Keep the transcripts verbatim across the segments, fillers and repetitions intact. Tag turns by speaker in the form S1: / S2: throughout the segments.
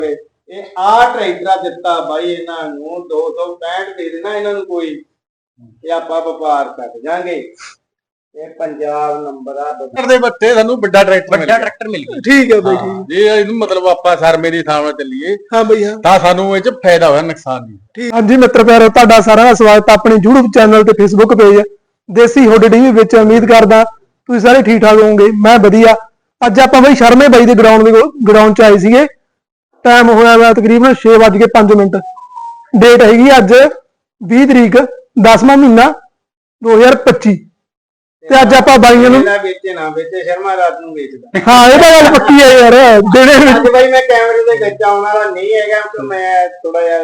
S1: ਇਹ ਆ ਟਰੈਕਟਰ ਦਿੱਤਾ ਬਾਈ ਇਹਨਾਂ ਨੂੰ ਦੋ ਸੌ ਪੈਂਹਠ ਦੇ ਦੇਣਾ ਇਹਨਾਂ ਨੂੰ ਕੋਈ ਇਹ ਆਪਾਂ ਵਪਾਰ ਕਰ ਜਾਾਂਗੇ। ਇਹ ਪੰਜਾਬ ਨੰਬਰ ਆ
S2: ਦੇ ਬੱਤੇ ਸਾਨੂੰ ਵੱਡਾ ਟਰੈਕਟਰ
S3: ਵੱਡਾ ਟਰੈਕਟਰ ਮਿਲ ਗਿਆ।
S4: ਠੀਕ ਹੈ ਬਾਈ ਠੀਕ।
S2: ਜੇ ਇਹਨੂੰ ਮਤਲਬ ਆਪਾਂ ਸਰਮੇ ਦੀ ਥਾਂ ਨਾਲ ਚੱਲੀਏ
S4: ਹਾਂ ਬਾਈ ਹਾਂ
S2: ਤਾਂ ਸਾਨੂੰ ਇਹ ਚ ਫਾਇਦਾ ਹੋਇਆ ਨੁਕਸਾਨ ਨਹੀਂ।
S4: ਠੀਕ। ਹਾਂਜੀ ਮਿੱਤਰ ਪਿਆਰੋ ਤੁਹਾਡਾ ਸਾਰਿਆਂ ਦਾ ਸਵਾਗਤ ਹੈ ਆਪਣੇ YouTube ਚੈਨਲ ਤੇ Facebook page Desi hood TV ਵਿੱਚ। ਉਮੀਦ ਕਰਦਾ ਤੁਸੀਂ ਸਾਰੇ ਠੀਕ ਠਾਕ ਹੋਵੋਗੇ। ਮੈਂ ਵਧੀਆ। ਅੱਜ ਆਪਾਂ ਬਾਈ ਸ਼ਰਮੇ ਬਾਈ ਦੇ ਗਰਾਊਂਡ ਦੇ ਗਰਾਊਂਡ ਚ ਆਏ ਸੀਗੇ। ਟਾਈਮ ਹੋਇਆ ਵਾ ਤਕਰੀਬਨ ਛੇ ਵੱਜ ਕੇ ਪੰਜ ਮਿੰਟ। ਡੇਟ ਹੈਗੀ ਅੱਜ ਵੀਹ ਤਰੀਕ ਦਸਵਾਂ ਮਹੀਨਾ ਦੋ ਹਜ਼ਾਰ ਪੱਚੀ ਤੇ ਅੱਜ ਆਪਾਂ ਬਾਈਆਂ ਨੂੰ
S1: ਵੇਚੇ ਨਾ ਵੇਚੇ ਸ਼ਰਮਾ ਰਾਤ ਨੂੰ ਵੇਚਦਾ।
S4: ਹਾਂ ਇਹ ਤਾਂ ਗੱਲ ਪੱਕੀ ਹੈ ਯਾਰ। ਜਿਹੜੇ
S1: ਅੱਜ ਬਾਈ ਮੈਂ ਕੈਮਰੇ ਦੇ ਵਿੱਚ ਆਉਣ ਵਾਲਾ ਨਹੀਂ ਹੈਗਾ ਕਿਉਂਕਿ ਮੈਂ ਥੋੜਾ ਜਿਹਾ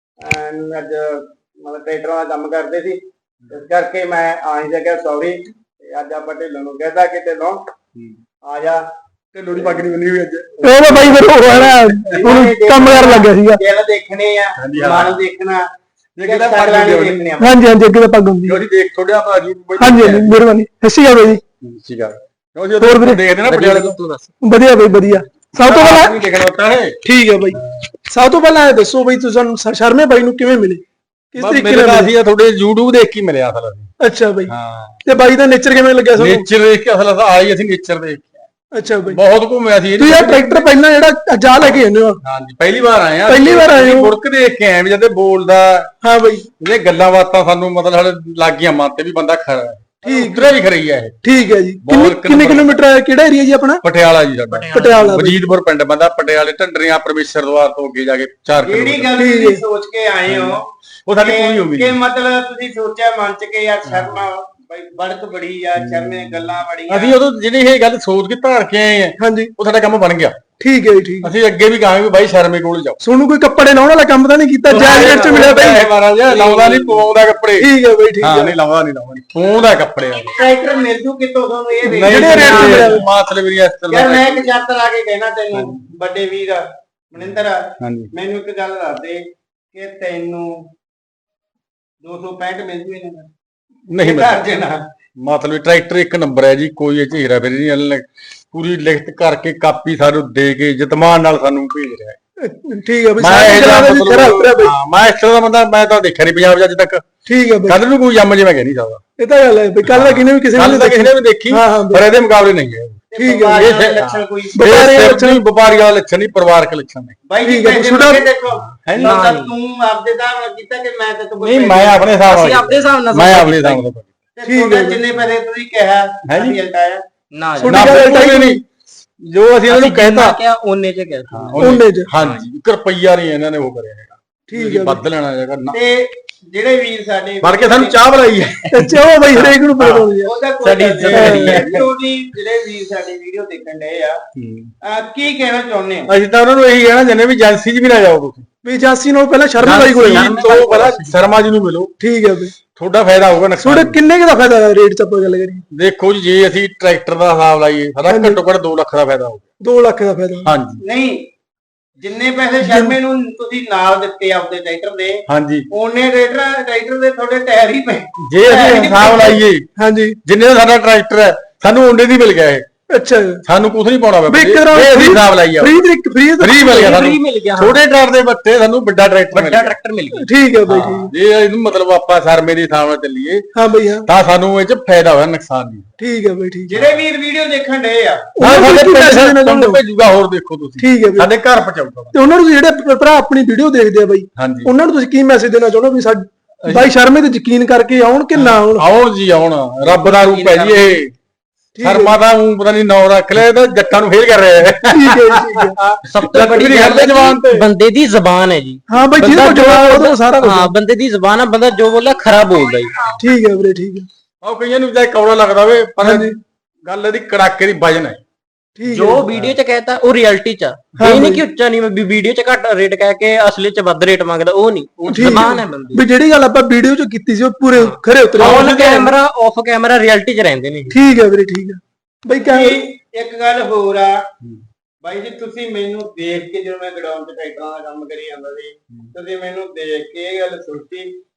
S1: ਅੱਜ ਮਤਲਬ ਟਰੈਕਟਰਾਂ ਦਾ ਕੰਮ ਕਰਦੇ ਸੀ ਇਸ ਕਰਕੇ ਮੈਂ ਆ ਨਹੀਂ ਸਕਿਆ। ਸੌਰੀ। ਅੱਜ ਆਪਾਂ ਢਿੱਲੋਂ ਨੂੰ ਕਹਿਦਾ ਕਿ ਢਿੱਲੋਂ ਆ ਜਾ।
S2: ਢਿੱਲੋਂ ਦੀ ਪੱਗ ਨਹੀਂ ਬੰਨੀ ਹੋਈ ਅੱਜ।
S4: ਉਹ ਤਾਂ ਬਾਈ ਫਿਰ ਉਹ ਹੈ ਨਾ ਹੁਣ ਕੰਮ ਕਰਨ ਲੱਗਿਆ ਸੀਗਾ।
S1: ਦਿਲ ਦੇਖਣੇ ਆ ਮਨ ਦੇਖਣਾ।
S2: ਕਿਹਦਾ ਪੱਗ
S4: ਹਾਂਜੀ ਹਾਂਜੀ ਅੱਗੇ ਤਾਂ ਪੱਗ ਹੁੰਦੀ
S2: ਜੋ ਜੀ ਦੇਖ ਥੋੜਾ ਆਪਣਾ ਜੀ
S4: ਹਾਂਜੀ ਹਾਂਜੀ ਮਿਹਰਬਾਨੀ। ਸਤਿ ਸ਼੍ਰੀ ਅਕਾਲ ਬਾਈ ਜੀ।
S2: ਠੀਕ ਆ ਕਿਉਂ ਜੀ ਹੋਰ ਦੇਖਦੇ ਨਾ ਪਟਿਆਲੇ ਤੋਂ।
S3: ਤੂੰ ਦੱਸ।
S4: ਵਧੀਆ ਬਾਈ ਵਧੀਆ। ਸਭ ਤੋਂ ਪਹਿਲਾਂ
S2: ਦੇਖਣਾ ਹੁੰਦਾ ਹੈ।
S4: ਠੀਕ ਹੈ ਬਾਈ ਸਭ ਤੋਂ ਪਹਿਲਾਂ ਇਹ ਦੱਸੋ ਬਾਈ ਤੁਸੀਂ ਸਾਨੂੰ ਸ਼ਰਮੇ ਬਾਈ ਨੂੰ ਕਿਵੇਂ ਮਿਲੇ ਕਿਸ ਤਰੀਕੇ ਨਾਲ?
S2: ਅਸੀਂ ਤੁਹਾਡੇ YouTube ਦੇਖ ਕੇ ਮਿਲਿਆ ਅਸਲ ਅਸੀਂ।
S4: ਅੱਛਾ ਬਾਈ
S2: ਹਾਂ
S4: ਤੇ ਬਾਈ ਦਾ ਨੇਚਰ ਕਿਵੇਂ ਲੱਗਿਆ ਤੁਹਾਨੂੰ?
S2: ਨੇਚਰ ਦੇਖ ਕੇ ਅਸਲ ਆਈ ਅਸੀਂ ਨੇਚਰ ਦੇਖ ਕੇ।
S4: ਅੱਛਾ ਬਾਈ
S2: ਬਹੁਤ ਘੁੰਮਿਆ ਸੀ।
S4: ਤੁਸੀਂ ਇਹ ਟਰੈਕਟਰ ਪਹਿਲਾਂ ਜਿਹੜਾ ਜਾ ਲੈ ਕੇ ਆਏ ਹੋ?
S2: ਹਾਂਜੀ ਪਹਿਲੀ ਵਾਰ ਆਏ ਆ।
S4: ਪਹਿਲੀ ਵਾਰ ਆਏ ਹੋ?
S2: ਮੁੜਕ ਦੇਖ ਕੇ ਆਏ ਵੀ ਜਦ ਬੋਲਦਾ।
S4: ਹਾਂ ਬਾਈ
S2: ਇਹਦੇ ਗੱਲਾਂ ਬਾਤਾਂ ਸਾਨੂੰ ਮਤਲਬ ਲੱਗ ਗਈਆਂ ਮਨ ਤੇ ਵੀ ਬੰਦਾ ਖਰਾ ਹੈ।
S4: ਠੀਕ
S2: ਉਤਰਿਆ ਵੀ ਖਰੀ ਹੈ ਇਹ।
S4: ਠੀਕ ਹੈ ਜੀ। ਕਿੰਨੇ ਕਿੰਨੇ ਕਿਲੋਮੀਟਰ ਹੈ? ਕਿਹੜਾ ਏਰੀਆ ਜੀ ਆਪਣਾ?
S2: ਪਟਿਆਲਾ ਜੀ ਸਾਡਾ।
S4: ਪਟਿਆਲਾ
S2: ਵਜੀਦਪੁਰ ਪਿੰਡ ਬੰਦਾ ਪਟਿਆਲੇ ਢੰਡਰੀਆਂ ਪਰਮੇਸ਼ਰ ਦਵਾਰ ਤੋਂ ਅੱਗੇ ਜਾ ਕੇ ਚਾਰ
S1: ਜਿਹੜੀ
S2: ਕਿਲੋਮੀਟਰ।
S1: ਗੱਲ ਤੁਸੀਂ ਸੋਚ ਕੇ ਆਏ ਹੋ
S2: ਉਹ ਸਾਡੀ ਪੂਰੀ ਹੋ ਗਈ
S1: ਕਿ ਮਤਲਬ ਤੁਸੀਂ ਸੋਚਿਆ ਮਨ ਚ ਕਿ ਯਾਰ ਸ਼ਰਮਾ ਬਈ ਬੜਕ ਬੜੀ ਆ ਸ਼ਰਮੇ ਗੱਲਾਂ ਬੜੀਆਂ।
S2: ਅਸੀਂ ਉਦੋਂ ਜਿਹੜੀ ਇਹ ਗੱਲ ਸੋਚ ਕੇ ਧਾਰ ਕੇ ਆਏ ਆ
S4: ਹਾਂਜੀ
S2: ਉਹ ਸਾਡਾ ਕੰਮ ਬਣ ਗਿਆ।
S4: ਠੀਕ ਹੈ ਜੀ ਠੀਕ।
S2: ਅਸੀਂ ਅੱਗੇ ਵੀ ਕਹਾਂਗੇ ਵੀ ਬਾਈ ਸ਼ਰਮੇ ਕੋਲ ਜਾਓ।
S4: ਸੋਨੂੰ ਕੋਈ ਕੱਪੜੇ ਲਾਉਣ ਵਾਲਾ ਕੰਮ ਤਾਂ ਨਹੀਂ ਕੀਤਾ? ਜੈਕਟ ਚ ਮਿਲਿਆ ਬਾਈ
S2: ਮਹਾਰਾਜ ਲਾਉਂਦਾ ਨਹੀਂ ਪਵਾਉਂਦਾ ਕੱਪੜੇ।
S4: ਠੀਕ ਹੈ ਬਾਈ ਠੀਕ
S2: ਹਾਂ
S4: ਹੈ।
S2: ਨਹੀਂ ਲਾਉਂਦਾ ਨਹੀਂ ਲਾਉਂਦਾ ਪਵਾਉਂਦਾ ਕੱਪੜੇ।
S1: ਟਰੈਕਟਰ ਮਿਲ ਜੂ ਕਿਤੋਂ ਤੁਹਾਨੂੰ ਇਹ ਦੇ
S4: ਜਿਹੜੇ ਰੇਟ ਤੇ ਮਿਲਿਆ
S2: ਮਾਤਲੇ ਵੀ ਇਸ ਤਰ੍ਹਾਂ
S1: ਯਾਰ ਮੈਂ ਇੱਕ ਸ਼ਰਤ ਲਾ ਕੇ ਕਹਿਣਾ ਤੈਨੂੰ ਵੱਡੇ ਵੀਰ ਮਨਿੰਦਰ
S2: ਹਾਂਜੀ
S1: ਮੈਨੂੰ ਇੱਕ ਗੱਲ ਦੱਸ ਦੇ ਕਿ ਤੈਨੂੰ ਦੋ ਸੌ ਪੈਂਹਠ ਮਿਲ ਜੂ ਇਹਨਾਂ ਦਾ
S2: ਨਹੀਂ
S1: ਘਰ ਜੇ ਨਾ
S2: ਮਤਲਬ ਟਰੈਕਟਰ ਇੱਕ ਨੰਬਰ ਹੈ ਜੀ। ਕੋਈ ਇਹ ਚ ਹੀਰਾ ਫੇਰੀ ਨਹੀਂ। ਅਗਲੇ ਨੇ ਪੂਰੀ ਲਿਖਤ ਕਰਕੇ ਕਾਪੀ ਸਾਨੂੰ ਦੇ ਕੇ ਜਤਮਾਨ ਨਾਲ ਸਾਨੂੰ ਭੇਜ ਰਿਹਾ ਹੈ।
S4: ਠੀਕ ਹੈ ਬਾਈ
S2: ਮੈਂ
S4: ਸਾਰੇ
S2: ਇਹ
S4: ਜਗ੍ਹਾ ਦੇ ਵਿੱਚ ਤੇਰਾ ਉਤਰਿਆ ਬਾਈ।
S2: ਹਾਂ ਮੈਂ ਇਸ ਤਰ੍ਹਾਂ ਦਾ ਬੰਦਾ ਮੈਂ ਤਾਂ ਦੇਖਿਆ ਨਹੀਂ ਪੰਜਾਬ 'ਚ ਅੱਜ ਤੱਕ।
S4: ਠੀਕ ਹੈ ਬਾਈ
S2: ਕੱਲ ਨੂੰ ਕੋਈ ਜੰਮ ਜੇ ਮੈਂ ਕਹਿ ਨਹੀਂ ਸਕਦਾ।
S4: ਇਹ ਤਾਂ ਗੱਲ ਹੈ ਬਾਈ। ਕੱਲ ਦਾ ਕਿਨੇ ਵੀ ਕਿਸੇ
S2: ਕੱਲ
S4: ਨੇ
S2: ਤਾਂ ਕਿਸੇ ਨੇ ਵੀ ਦੇਖੀ
S4: ਹਾਂ ਹਾਂ
S2: ਪਰ ਇਹਦੇ ਮੁਕਾਬਲੇ ਨਹੀਂ ਹੈ।
S4: ਠੀਕ ਹੈ
S1: ਇਹ ਲੱਛਣ ਕੋਈ
S2: ਵਪਾਰੀ ਲੱਛਣ ਵਪਾਰੀ ਵਾਲਾ ਲੱਛਣ ਨਹੀਂ ਪਰਿਵਾਰਕ ਲੱਛਣ ਨੇ।
S1: ਬਾਈ ਜੀ
S4: ਠੀਕ ਹੈ,
S1: ਪੈਸੇ
S4: ਛੋਟਾ-
S1: ਮੰਗੇ ਦੇਖੋ
S2: ਹੈ
S1: ਨਾ
S2: ਨਾ
S1: ਤੂੰ ਆਪਦੇ ਹਿਸਾਬ ਨਾਲ ਕੀਤਾ ਕਿ ਮੈਂ ਤੇ
S2: ਨਹੀਂ ਮੈਂ ਆਪਣੇ ਹਿਸਾਬ ਨਾਲ
S3: ਅਸੀਂ ਆਪਦੇ ਹਿਸਾਬ ਨਾਲ
S2: ਮੈਂ ਆਪਣੇ ਹਿਸਾਬ ਨਾਲ
S1: ਠੀਕ ਹੈ ਜਿੰਨੇ ਪੈਸੇ ਤੁਸੀਂ ਕਿਹਾ
S2: ਹੈ ਜੀ।
S1: ਰਿਜ਼ਲਟ ਆਇਆ
S3: ਨਾ ਜੀ।
S2: ਨਾ ਬਿਲਕੁਲ ਨਹੀਂ। ਜੋ ਅਸੀਂ ਇਹਨਾਂ ਨੂੰ ਕਹਿਤਾ
S3: ਕਿਹਾ ਉਹਨੇ ਚ ਕਹਿਤਾ।
S4: ਉਹਨੇ ਚ
S2: ਹਾਂਜੀ ਇੱਕ ਰੁਪਈਆ ਨਹੀਂ ਇਹਨਾਂ ਨੇ ਉਹ ਕਰਿਆ ਹੈਗਾ।
S4: ਠੀਕ ਹੈ
S2: ਵੱਧ ਲੈਣਾ ਹੈਗਾ ਨਾ
S1: ਤੇ ਜਿਹੜੇ ਵੀਰ ਸਾਡੇ
S2: ਬਣ ਕੇ ਸਾਨੂੰ ਚਾਹ ਬੁਲਾਈ ਹੈ।
S4: ਚਾਹੋ ਬਾਈ ਹਰੇਕ ਨੂੰ ਪਤਾ ਹੋਣੀ ਹੈ।
S1: ਉਹਦਾ ਕੋਈ
S3: ਸਾਡੀ
S1: ਇੱਜ਼ਤ ਨਹੀਂ ਹੈ। ਉਹਦੀ ਜਿਹੜੇ ਵੀਰ ਸਾਡੀ ਵੀਡੀਓ ਦੇਖਣ ਡਏ ਆ ਆ ਕੀ ਕਹਿਣਾ ਚਾਹੁੰਦੇ ਹੋ?
S2: ਅਸੀਂ ਤਾਂ ਉਹਨਾਂ ਨੂੰ ਇਹੀ ਕਹਿਣਾ ਚਾਹੁੰਦੇ ਵੀ ਏਜੰਸੀ 'ਚ ਵੀ ਨਾ ਜਾਓ ਤੁਸੀਂ।
S4: ਵੀ ਏਜੰਸੀ ਨੂੰ ਪਹਿਲਾਂ ਸ਼ਰਮਾ ਬਾਈ ਕੋਲ ਜਾਣਾ।
S2: ਤੋਂ ਪਹਿਲਾਂ ਸ਼ਰਮਾ ਜੀ ਨੂੰ ਮਿਲੋ।
S4: ਠੀਕ ਹੈ ਬਾਈ।
S2: ਤੁਹਾਡਾ ਫਾਇਦਾ ਹੋਊਗਾ ਨੁਕਸਾਨ
S4: ਤੁਹਾਡੇ ਕਿੰਨੇ ਕੁ ਦਾ ਫਾਇਦਾ ਹੈ ਰੇਟ ਚ ਆਪਾਂ ਗੱਲ ਕਰੀਏ?
S2: ਦੇਖੋ ਜੀ ਜੇ ਅਸੀਂ ਟਰੈਕਟਰ ਦਾ ਹਿਸਾਬ ਲਾਈਏ ਸਾਡਾ ਘੱਟੋ ਘੱਟ ਦੋ ਲੱਖ ਦਾ ਫਾਇਦਾ ਹੋਊਗਾ।
S4: ਦੋ ਲੱਖ ਦਾ ਫਾਇਦਾ।
S2: ਹਾਂਜੀ
S1: ਨਹੀਂ ਜਿੰਨੇ ਪੈਸੇ ਸ਼ਰਮੇ ਨੂੰ ਤੁਸੀਂ ਨਾਲ ਦਿੱਤੇ ਆਪਦੇ ਟਰੈਕਟਰ ਦੇ
S2: ਹਾਂਜੀ
S1: ਉਹਨੇ ਟਰੈਕਟਰ ਟਰੈਕਟਰ ਦੇ ਤੁਹਾਡੇ ਟਾਇਰ ਹੀ ਪਏ।
S2: ਜੇ ਅਸੀਂ ਹਿਸਾਬ ਲਾਈਏ
S4: ਹਾਂਜੀ
S2: ਜਿੰਨੇ ਦਾ ਸਾਡਾ ਟਰੈਕਟਰ ਹੈ ਸਾਨੂੰ ਓਨੇ ਦੀ ਮਿਲ ਗਿਆ ਇਹ।
S4: ਅੱਛਾ
S2: ਸਾਨੂੰ ਕੁਝ ਨਹੀਂ ਪਾਉਣਾ
S4: ਵੀ ਇੱਕ
S2: ਪਿਆ
S4: ਤਰ੍ਹਾਂ
S2: ਇਹ ਅਸੀਂ ਹਿਸਾਬ ਲਾਈਏ
S4: ਫ੍ਰੀ ਤਰੀਕ ਫ੍ਰੀ
S2: ਫ੍ਰੀ ਮਿਲ ਗਿਆ
S3: ਫ੍ਰੀ
S2: ਸਾਨੂੰ
S3: ਮਿਲ ਗਿਆ।
S2: ਛੋਟੇ ਟਰੈਕਟਰ ਦੇ ਬੱਤੇ ਸਾਨੂੰ ਵੱਡਾ ਟਰੈਕਟਰ ਮਿਲ
S3: ਵੱਡਾ
S2: ਗਿਆ।
S3: ਟਰੈਕਟਰ ਮਿਲ ਗਿਆ।
S4: ਠੀਕ ਹੈ ਬਾਈ ਠੀਕ।
S2: ਜੇ ਇਹਨੂੰ ਮਤਲਬ ਆਪਾਂ ਸਰਮੇ ਦੀ ਥਾਂ ਨਾਲ ਚੱਲੀਏ
S4: ਹਾਂ ਬਾਈ ਹਾਂ
S2: ਤਾਂ ਸਾਨੂੰ ਇਹ 'ਚ ਫਾਇਦਾ ਹੋਇਆ ਨੁਕਸਾਨ ਨਹੀਂ।
S4: ਠੀਕ ਹੈ ਬਾਈ ਠੀਕ।
S1: ਜਿਹੜੇ ਵੀਰ ਵੀਡੀਓ ਦੇਖਣ ਡਏ ਆ
S4: ਉਹਨਾਂ ਨੂੰ
S2: ਸਾਡੇ
S4: ਕੀ ਪੈਸੇ ਦੇਣਾ
S2: ਪਿੰਡ
S4: ਚਾਹੁੰਦੇ ਹੋ?
S2: ਭੇਜੂਗਾ ਹੋਰ ਦੇਖੋ ਤੁਸੀਂ
S4: ਠੀਕ ਹੈ ਬਾਈ।
S2: ਸਾਡੇ ਘਰ ਪਹੁੰਚਾਊਗਾ।
S4: ਤੇ ਉਹਨਾਂ ਨੂੰ ਜਿਹੜੇ ਭਰਾ ਆਪਣੀ ਵੀਡੀਓ ਦੇਖਦੇ ਆ ਬਾਈ
S2: ਹਾਂਜੀ
S4: ਉਹਨਾਂ ਨੂੰ ਤੁਸੀਂ ਕੀ ਮੈਸੇਜ ਦੇਣਾ ਚਾਹੁੰਦੇ ਹੋ ਵੀ ਸਾਡੇ ਬਾਈ ਸ਼ਰਮੇ ਤੇ ਯਕੀਨ ਕਰਕੇ ਆਉਣ ਕਿ ਨਾ ਆਉਣ?
S2: ਆਉਣ ਜੀ ਆਉਣ ਰੱਬ ਦਾ ਰੂਪ ਹੈ ਜੀ ਇਹ। ਸ਼ਰਮਾ ਦਾ ਊਂ ਪਤਾ ਨਹੀਂ ਨਾਂ ਰੱਖ ਲਿਆ ਤਾਂ ਜੱਟਾਂ ਨੂੰ ਫੇਲ ਕਰ ਰਿਹਾ ਹੈ।
S4: ਠੀਕ ਹੈ ਜੀ, ਠੀਕ ਹੈ।
S3: ਸਭ ਤੋਂ ਬੜੀ ਗੱਲ ਹੈ
S2: ਜਵਾਨ ਤੇ
S3: ਬੰਦੇ ਦੀ ਜ਼ਬਾਨ ਹੈ ਜੀ।
S4: ਹਾਂ ਬਾਈ ਜਿਹਦੇ ਕੋਲ ਜਵਾਬ ਉਹ ਸਾਰਾ ਕੁਝ।
S3: ਹਾਂ ਬੰਦੇ ਦੀ ਜ਼ਬਾਨ ਹੈ। ਬੰਦਾ ਜੋ ਬੋਲਦਾ ਖਰਾ ਬੋਲਦਾ ਜੀ।
S4: ਠੀਕ ਹੈ ਵੀਰੇ ਠੀਕ ਹੈ।
S2: ਉਹ ਕਈਆਂ ਨੂੰ ਚਾਹੇ ਕੌੜਾ ਲੱਗਦਾ ਵੇ ਪਰ ਗੱਲ ਇਹਦੀ ਕੜਾਕੇ ਦੀ ਵਜਨ ਹੈ।
S4: ਠੀਕ
S3: ਜੋ ਵੀਡੀਓ ਚ ਕਹਿਤਾ ਉਹ ਰਿਐਲਿਟੀ ਚ ਆ। ਇਹ ਨਹੀਂ ਕਿ ਉੱਚਾ ਨਹੀਂ ਵੀ ਵੀਡੀਓ ਚ ਘੱਟ ਰੇਟ ਕਹਿ ਕੇ ਅਸਲੀ ਚ ਵੱਧ ਰੇਟ ਮੰਗਦਾ ਉਹ ਨਹੀਂ। ਉਹ ਜ਼ਬਾਨ ਹੈ ਬੰਦੇ
S4: ਵੀ ਜਿਹੜੀ ਗੱਲ ਆਪਾਂ ਵੀਡੀਓ ਚ ਕੀਤੀ ਸੀ ਉਹ ਪੂਰੇ ਖਰੇ ਉਤਰੇ।
S3: On camera off camera reality ਚ ਰਹਿੰਦੇ ਨੇ।
S4: ਠੀਕ ਹੈ ਵੀਰੇ ਠੀਕ ਹੈ ਬਾਈ ਕਹਿ
S1: ਇੱਕ ਗੱਲ ਹੋਰ ਆ ਬਾਈ ਜੀ ਤੁਸੀਂ ਮੈਨੂੰ ਦੇਖ ਕੇ ਜਦੋਂ ਮੈਂ ਗਡਾਊਨ ਤੇ ਟਰੈਕਟਰਾਂ ਦਾ ਕੰਮ ਕਰੀ ਜਾਂਦਾ ਸੀ ਤੁਸੀਂ ਮੈਨੂੰ ਦੇਖ ਕੇ ਇਹ ਗੱਲ ਸੋਚੀ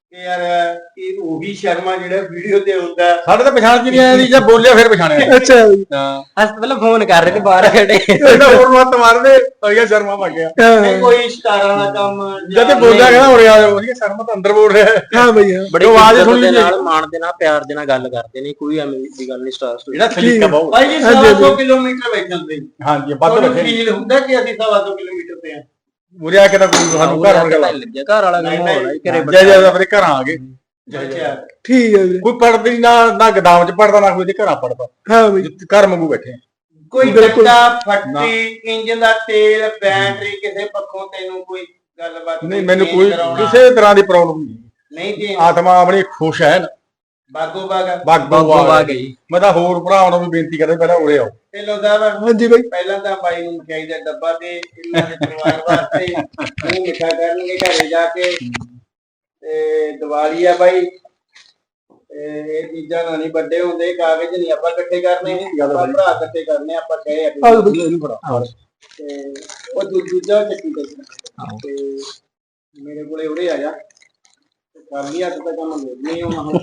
S1: ਕਿ ਯਾਰ ਇਹ ਉਹੀ ਸ਼ਰਮਾ ਜਿਹੜਾ ਵੀਡੀਓ ਤੇ ਹੁੰਦਾ।
S2: ਸਾਡੇ ਤਾਂ ਪਛਾਣ ਚ ਨਹੀਂ ਆਇਆ ਜੀ, ਜਾਂ ਬੋਲਿਆ ਫਿਰ ਪਛਾਣਿਆ।
S4: ਅੱਛਾ ਜੀ।
S2: ਹਾਂ
S3: ਅਸ ਪਹਿਲਾਂ ਫੋਨ ਕਰ ਰਹੇ ਨੇ ਬਾਹਰ ਖੜੇ।
S2: ਇਹਦਾ ਹੋਰ ਮੱਤ ਮਾਰਦੇ ਤਾਂ ਸ਼ਰਮਾ ਵਗ ਗਿਆ।
S1: ਨਹੀਂ ਕੋਈ ਸ਼ਿਕਾਰਾਂ ਦਾ ਕੰਮ
S2: ਜਦ ਇਹ ਬੋਲਿਆ ਕਹਿੰਦਾ ਉਰੇ ਆ ਜਾਓ, ਸ਼ਰਮਾ ਤਾਂ ਅੰਦਰ ਬੋਲ ਰਿਹਾ।
S4: ਹਾਂ ਬਈ ਹਾਂ।
S3: ਬੜੀ
S2: ਆਵਾਜ਼
S3: ਇੱਜ਼ਤ
S2: ਸੁਣੀ
S3: ਦੇ
S2: ਜੀ।
S3: ਨਾਲ, ਮਾਣ ਦੇ ਨਾਲ, ਪਿਆਰ ਦੇ ਨਾਲ ਗੱਲ ਕਰਦੇ ਨੇ, ਕੋਈ ਐਵੇਂ ਦੀ ਗੱਲ ਨਹੀਂ। ਸਟਾਰ ਸਟੋਰੀ
S2: ਜਿਹੜਾ ਸਲੀਕਾ ਬਹੁਤ।
S1: ਭਾਈ ਜੀ ਸਵਾ ਸੌ ਕਿਲੋਮੀਟਰ ਵੇਚਣ ਦੇ
S2: ਹਾਂਜੀ ਵੱਧ
S1: ਤੁਹਾਨੂੰ
S2: ਬੈਠੇ
S1: ਫੀਲ ਹੁੰਦਾ ਕਿ ਅਸੀਂ ਸਵਾ ਸੌ ਕਿਲੋਮੀਟਰ ਤੇ ਆ।
S2: ਉਰੇ ਆ ਕੇ ਤਾਂ ਕੋਈ ਸਾਨੂੰ ਘਰ ਵੜ ਗਿਆ।
S3: ਲੱਗਿਆ ਘਰ ਵਾਲਾ
S1: ਨਹੀਂ,
S3: ਕੰਮ ਹੋਣਾ ਘਰੇ
S2: ਜੈ ਜੈ ਆਪਣੇ ਘਰਾਂ ਆ ਗਏ।
S1: ਅੱਛਾ
S4: ਠੀਕ ਹੈ ਵੀਰੇ।
S2: ਕੋਈ ਪੜਦੀ ਨਾ ਨਾ ਗਦਾਮ ਚ ਪੜਦਾ ਨਾ ਕੋਈ ਦੇ ਘਰਾਂ ਪੜਦਾ।
S4: ਹਾਂ ਬਈ
S2: ਘਰ ਮੰਗੂ ਬੈਠੇ।
S1: ਕੋਈ
S4: ਬਿਲਕੁਲ।
S1: ਡੱਟਾ ਫੱਟੀ ਇੰਜਨ ਦਾ ਤੇਲ ਬੈਟਰੀ ਕਿਸੇ ਪੱਖੋਂ ਤੈਨੂੰ ਕੋਈ ਗੱਲਬਾਤ
S2: ਨਹੀਂ ਮੈਨੂੰ
S1: change
S2: ਕੋਈ
S1: ਕਰਾਉਣਾ?
S2: ਕਿਸੇ ਤਰ੍ਹਾਂ ਦੀ ਪ੍ਰੋਬਲਮ ਨਹੀਂ।
S1: ਨਹੀਂ ਜੀ
S2: ਆਤਮਾ ਆਪਣੀ ਖੁਸ਼ ਹੈ ਨਾ।
S1: ਬਾਗੋ ਬਾਗ
S2: ਬਾਗੋ
S3: ਬਾਗੋ
S2: ਆ
S3: ਬਾਗ ਗਈ।
S2: ਮੈਂ ਤਾਂ ਹੋਰ ਭਰਾਵਾਂ ਨੂੰ ਵੀ ਬੇਨਤੀ ਕਰਦਾ ਪਹਿਲਾਂ ਉਰੇ ਆਓ।
S1: ਢਿੱਲੋਂ ਸਾਹਿਬ
S4: ਹਾਂਜੀ ਬਈ।
S1: ਪਹਿਲਾਂ ਤਾਂ ਬਾਈ ਨੂੰ ਮਠਿਆਈ ਦਾ ਡੱਬਾ ਤੇ ਇਹਨਾਂ ਦੇ ਪਰਿਵਾਰ ਵਾਸਤੇ ਉਹ ਮਿੱਠਾ ਕਰਨਗੇ ਘਰੇ ਜਾ ਕੇ। ਤੇ ਦੀਵਾਲੀ ਆ ਬਾਈ, ਤੇ ਇਹ ਚੀਜ਼ਾਂ ਨਾਲ ਨਹੀਂ ਵੱਡੇ ਹੁੰਦੇ। ਕਾਗਜ਼ ਨਹੀਂ ਆਪਾਂ ਇਕੱਠੇ ਕਰਨੇ, ਆਪਾਂ ਭਰਾ ਇਕੱਠੇ ਕਰਨੇ। ਆਪਾਂ ਕਹੇ ਆ
S4: ਆਹ ਬਈ।
S2: ਇਹਨੂੰ ਫੜਾ।
S1: ਤੇ ਉਹ ਦੂ- ਦੂਜਾ ਚੱਕੀ ਤੇ ਤੇ ਮੇਰੇ ਕੋਲੇ ਉਰੇ ਆ ਜਾ ਤੇ ਕਰ ਲਿਆ ਤਾਂ ਕੰਮ ਨਹੀਂ ਹੋਣਾ ਹੁਣ।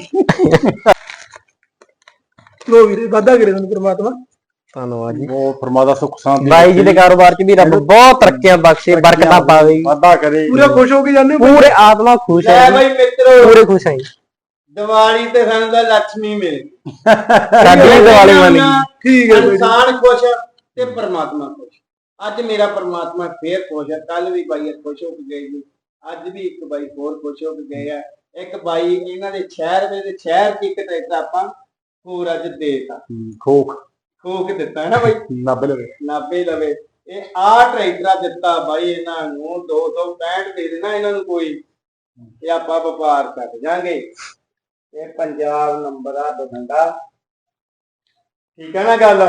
S4: ਲੋ ਵੀਰੇ ਵਾਧਾ ਕਰੇ ਤੁਹਾਨੂੰ ਪ੍ਰਮਾਤਮਾ।
S3: ਧੰਨਵਾਦ ਜੀ।
S2: ਉਹ ਪਰਮਾਤਮਾ ਸੁੱਖ ਸ਼ਾਂਤੀ
S3: ਬਾਈ ਜੀ ਦੇ ਕਾਰੋਬਾਰ 'ਚ ਵੀ ਰੱਬ ਬਹੁਤ ਤਰੱਕੀਆਂ ਬਖਸ਼ੇ, ਬਰਕਤਾਂ ਪਾਵੇ।
S2: ਵਾਧਾ ਕਰੇ।
S4: ਪੂਰਾ ਖੁਸ਼ ਹੋ ਕੇ ਜਾਂਦੇ ਹੋ ਬਈ?
S3: ਪੂਰੇ ਆਤਮਾ ਖੁਸ਼
S1: ਲੈ
S3: ਹੈ ਜੀ,
S1: ਬਾਈ ਮਿੱਤਰੋ,
S3: ਪੂਰੇ ਖੁਸ਼ ਹੈ ਜੀ।
S1: ਦੀਵਾਲੀ ਤੇ ਸਾਨੂੰ ਤਾਂ ਲక్ష్ਮੀ ਮਿਲ ਗਈ।
S3: ਸਾਡੀ ਵੀ ਦੀਵਾਲੀ ਬਣ ਗਈ।
S4: ਠੀਕ ਹੈ ਬਈ।
S1: ਇਨਸਾਨ ਖੁਸ਼ ਤੇ ਪਰਮਾਤਮਾ ਖੁਸ਼। ਅੱਜ ਮੇਰਾ ਪਰਮਾਤਮਾ ਫੇਰ ਖੁਸ਼ ਹੈ। ਕੱਲ ਵੀ ਬਾਈ ਖੁਸ਼ ਹੋ ਕੇ ਗਏ ਜੀ, ਅੱਜ ਵੀ ਇੱਕ ਬਾਈ ਹੋਰ ਖੁਸ਼ ਹੋ ਕੇ ਗਏ ਆ। ਇੱਕ ਬਾਈ ਇਹਨਾਂ ਦੇ ਸ਼ਹਿਰ ਦੇ ਸ਼ਹਿਰ ਚ ਇੱਕ ਟਰੈਕਟਰ ਆਪਾਂ ਹੋਰ ਅੱਜ ਦੇਤਾ,
S2: ਖੋਖ
S1: ਖੋਕ ਦਿੱਤਾ ਹੈ ਨਾ ਬਾਈ,
S2: ਨਾਬੇ ਲਵੇ।
S1: ਨਾਭੇ ਲਵੇ। ਇਹ ਆ ਟਰੈਕਟਰ ਦਿੱਤਾ ਬਾਈ ਇਹਨਾਂ ਨੂੰ ਦੋ ਸੌ ਪੈਂਹਠ ਦੇ ਦੇਣਾ ਇਹਨਾਂ ਨੂੰ ਕੋਈ, ਤੇ ਆਪਾਂ ਵਪਾਰ ਕਰ ਜਾਾਂਗੇ। ਇਹ ਪੰਜਾਬ ਨੰਬਰ ਆ ਬਠਿੰਡਾ, ਠੀਕ ਹੈ ਨਾ ਗੱਲ।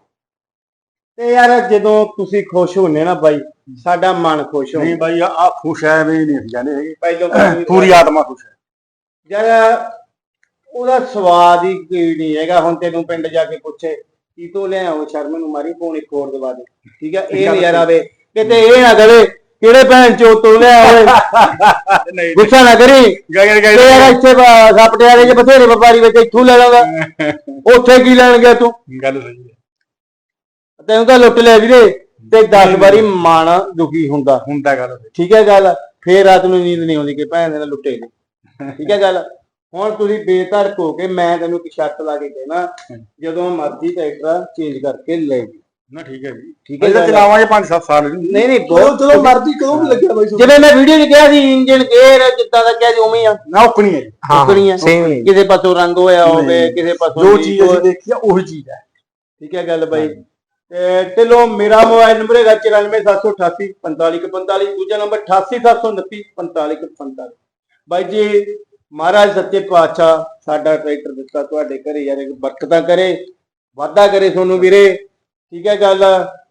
S1: ਤੇ ਯਾਰ ਜਦੋਂ ਤੁਸੀਂ ਖੁਸ਼ ਹੁੰਨੇ ਨਾ ਬਾਈ, ਸਾਡਾ ਮਨ ਖੁਸ਼
S2: ਨਹੀਂ
S1: ਹੁੰਦਾ।
S2: ਬਾਈ ਆ ਖੁਸ਼ ਹੈ ਵੀ ਨਹੀਂ ਅਸੀਂ ਜਾਂਦੇ ਹੈਗੇ।
S1: ਪਹਿਲੋਂ
S2: ਪੂਰੀ ਆਤਮਾ ਖੁਸ਼ ਹੈ।
S1: ਯਾਰ ਉਹਦਾ ਸਵਾਦ ਹੀ ਕੋਈ ਨਹੀਂ ਹੈਗਾ। ਹੁਣ ਤੈਨੂੰ ਪਿੰਡ ਜਾ ਕੇ ਪੁੱਛੇ ਕੀ ਤੋਂ ਲਿਆਓ, ਸ਼ਰਮ ਨੂੰ ਮਾਰੀ ਫੋਨ ਇੱਕ ਹੋਰ ਦਵਾ ਦੇ, ਠੀਕ ਹੈ। ਇਹ ਨਜ਼ਾਰਾ ਵੇ ਕਿਤੇ ਇਹ ਨਾ ਕਰੇ ਕਿਹੜੇ ਭੈਣ ਚੋ ਤੋਂ ਲਿਆ ਹੋਵੇ।
S2: ਨਹੀਂ
S1: ਗੁੱਸਾ ਨਾ ਕਰੀ।
S2: ਗਏ ਗਏ
S1: ਯਾਰ ਇੱਥੇ ਸਪਟਿਆਲੇ ਚ ਬਥੇਰੇ ਵਪਾਰੀ ਵਿੱਚ ਇੱਥੋਂ ਲੈ ਲਾਂਗਾ, ਉੱਥੇ ਕੀ ਲੈਣ ਗਿਆ ਤੂੰ?
S2: ਗੱਲ ਸਹੀ ਹੈ।
S1: ਤੈਨੂੰ ਤਾਂ ਲੁੱਟ ਲਿਆ ਵੀਰੇ। ਤੇ ਦਸ ਵਾਰੀ ਮਨ ਦੁਖੀ ਹੁੰਦਾ
S2: ਹੁੰਦਾ ਗੱਲ ਸਹੀ।
S1: ਠੀਕ ਹੈ ਗੱਲ। ਫੇਰ ਰਾਤ ਨੂੰ ਨੀਂਦ ਨਹੀਂ ਆਉਂਦੀ ਕਿ ਭੈਣ ਦੇ ਨਾਲ ਲੁੱਟੇ ਨੇ, ਠੀਕ ਹੈ ਗੱਲ। ਹੁਣ ਤੁਸੀਂ ਬੇਧੜਕ ਹੋ ਕੇ, ਮੈਂ ਤੈਨੂੰ ਇੱਕ ਸ਼ਰਤ ਲਾ ਕੇ ਕਹਿਣਾ, ਜਦੋਂ ਮਰਜ਼ੀ ਟਰੈਕਟਰ ਚੇਂਜ ਕਰਕੇ ਲੈ ਜੀ।
S2: ਨਾ ਠੀਕ ਹੈ ਜੀ,
S1: ਠੀਕ ਹੈ
S2: ਅਸੀਂ ਤਾਂ
S1: ਗੱਲ।
S2: ਚਲਾਵਾਂਗੇ ਪੰਜ ਸੱਤ ਸਾਲ।
S1: ਨਹੀਂ ਨਹੀਂ
S4: ਚਲੋ
S1: ਬਹੁਤ
S4: ਚਲੋ ਮਰਜ਼ੀ ਕਦੋਂ ਵੀ ਲੱਗਿਆ ਬਾਈ ਤੁਹਾਨੂੰ।
S1: ਜਿਵੇਂ ਮੈਂ ਵੀਡੀਓ 'ਚ ਕਿਹਾ ਸੀ, ਇੰਜਨ ਗੇਅਰ ਜਿੱਦਾਂ ਦਾ ਕਿਹਾ ਸੀ ਉਵੇਂ ਹੀ ਆ,
S2: ਨਾ ਉਕਣੀ ਹੈ ਜੀ।
S1: ਉਕਣੀ ਆ।
S3: same ਹੀ ਹੈ।
S1: ਕਿਸੇ ਪਾਸੋਂ ਰੰਗ ਹੋਇਆ ਹੋਵੇ, ਕਿਸੇ ਪਾਸੋਂ
S2: ਜੋ
S1: ਲੀਕ
S2: ਚੀਜ਼
S1: ਹੋਵੇ।
S2: ਅਸੀਂ ਦੇਖੀ ਆ ਉਹੀ ਚੀਜ਼ ਹੈ।
S1: ਠੀਕ ਹੈ ਗੱਲ ਬਾਈ। ਤੇ ਚਲੋ ਮੇਰਾ ਮੋਬਾਈਲ ਨੰਬਰ ਹੈਗਾ ਚੁਰਾਨਵੇਂ ਸੱਤ ਸੌ ਅਠਾਸੀ ਪੰਤਾਲੀ ਇੱਕ ਪੰਤਾਲੀ, ਦੂਜਾ ਨੰਬਰ ਅਠਾਸੀ ਸੱਤ ਸੌ ਉਨੱਤੀ ਪੰਤਾਲੀ ਇੱਕ ਪੰਤਾਲੀ। ਬਾਈ ਜੀ ਮਹਾਰਾਜ ਸੱਚੇ ਪਾਤਸ਼ਾਹ ਸਾਡਾ ਟਰੈਕਟਰ ਦਿੱਤਾ ਤੁਹਾਡੇ ਘਰੇ ਯਾਰ ਬਰਕਤਾਂ ਕਰੇ, ਵਾਧਾ ਕਰੇ ਤੁਹਾਨੂੰ ਵੀਰੇ, ਠੀਕ ਹੈ ਗੱਲ।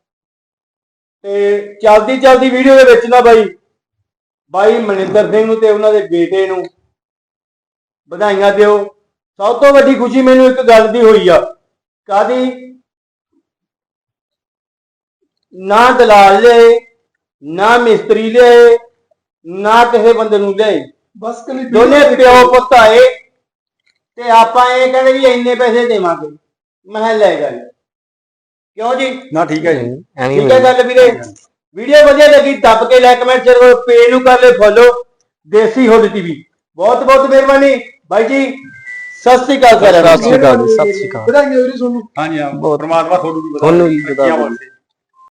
S1: ਤੇ ਚਲਦੀ ਚਲਦੀ ਵੀਡੀਓ ਦੇ ਵਿੱਚ ਨਾ ਬਾਈ ਬਾਈ ਮਨਿੰਦਰ ਸਿੰਘ ਨੂੰ ਤੇ ਉਹਨਾਂ ਦੇ ਬੇਟੇ ਨੂੰ ਵਧਾਈਆਂ ਦਿਓ। ਸਭ ਤੋਂ ਵੱਡੀ ਖੁਸ਼ੀ ਮੈਨੂੰ ਇੱਕ ਗੱਲ ਦੀ ਹੋਈ ਆ, ਕਾਦੀ ਨਾ ਦਲਾਲ ਲਿਆਏ, ਨਾ ਮਿਸਤਰੀ ਲਿਆਏ, ਨਾ ਕਿਸੇ ਬੰਦੇ ਨੂੰ ਲਿਆਏ,
S4: ਬਸ ਕਲੀ
S1: ਦੋਨੇ ਪਿਓ ਪੁੱਤ ਆਏ ਤੇ ਆਪਾਂ ਇਹ ਕਹਿੰਦੇ ਵੀ ਇੰਨੇ ਪੈਸੇ ਦੇਵਾਂਗੇ। ਮੈਂ ਕਿਹਾ ਲੈ ਗੱਲ, ਕਿਉਂ ਜੀ?
S2: ਨਾ ਠੀਕ ਹੈ ਜੀ।
S3: ਐਵੇਂ
S1: ਠੀਕ ਹੈ ਗੱਲ ਵੀਰੇ। ਵੀਡੀਓ ਵਧੀਆ ਲੱਗੀ ਦੱਬ ਕੇ ਲਾਈਕ ਕਮੈਂਟ ਸ਼ੇਅਰ ਕਰੋ, ਪੇਜ ਨੂੰ ਕਰ ਲੈ ਫੋਲੋ, ਦੇਸੀ ਹੁੱਡ ਟੀਵੀ। ਬਹੁਤ ਬਹੁਤ ਮਿਹਰਬਾਨੀ ਬਾਈ ਜੀ, ਸਤਿ ਸ੍ਰੀ ਅਕਾਲ ਸਾਰਿਆਂ ਨੂੰ।
S3: ਸਤਿ ਸ਼੍ਰੀ ਅਕਾਲ ਜੀ, ਸਤਿ ਸ਼੍ਰੀ ਅਕਾਲ।
S4: ਵਧਾਈਆਂ ਵੀਰੇ ਤੁਹਾਨੂੰ।
S2: ਹਾਂਜੀ ਹਾਂ, ਪਰਮਾਤਮਾ ਤੁਹਾਨੂੰ ਵੀ
S3: ਤੁਹਾਨੂੰ ਵੀ
S2: ਵਧਾਈਆਂ ਬਖਸ਼ੇ।